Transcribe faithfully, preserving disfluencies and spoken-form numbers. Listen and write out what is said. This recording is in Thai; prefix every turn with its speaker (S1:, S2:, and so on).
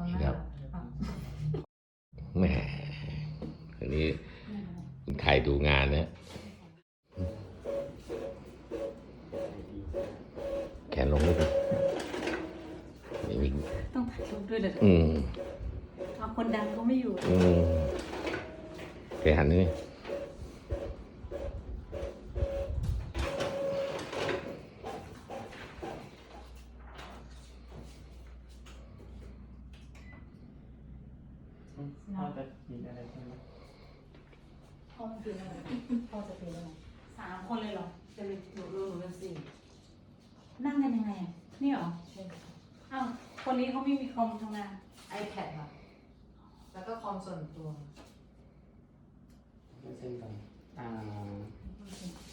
S1: นี่ครับแหมอันนี้ใครดูงานนะแขนลงด้วยนี่มี
S2: ต้องถ่ายรูปด้วยเลย
S1: อืม
S2: เอาคนดังเขาไม่อยู่
S1: อืมแกหันนี่
S3: พ่อจะกินอะไรใช่ไหม
S2: พ่อมันเป็นอะไรพ่อจะเป็นอะไรสามคนเลยเหรอ
S4: จะเป็นหนูรู้หนูเป็นสี่
S2: นั่งกันยังไงอ่ะนี่เหรอ
S4: ใช่ค่ะ
S2: อ้าวคนนี้เขาไม่มีคอมทำงาน
S4: iPad ค่ะ แล้วก็คอมส่วนตัว
S3: เป็นเส้นกันอ่า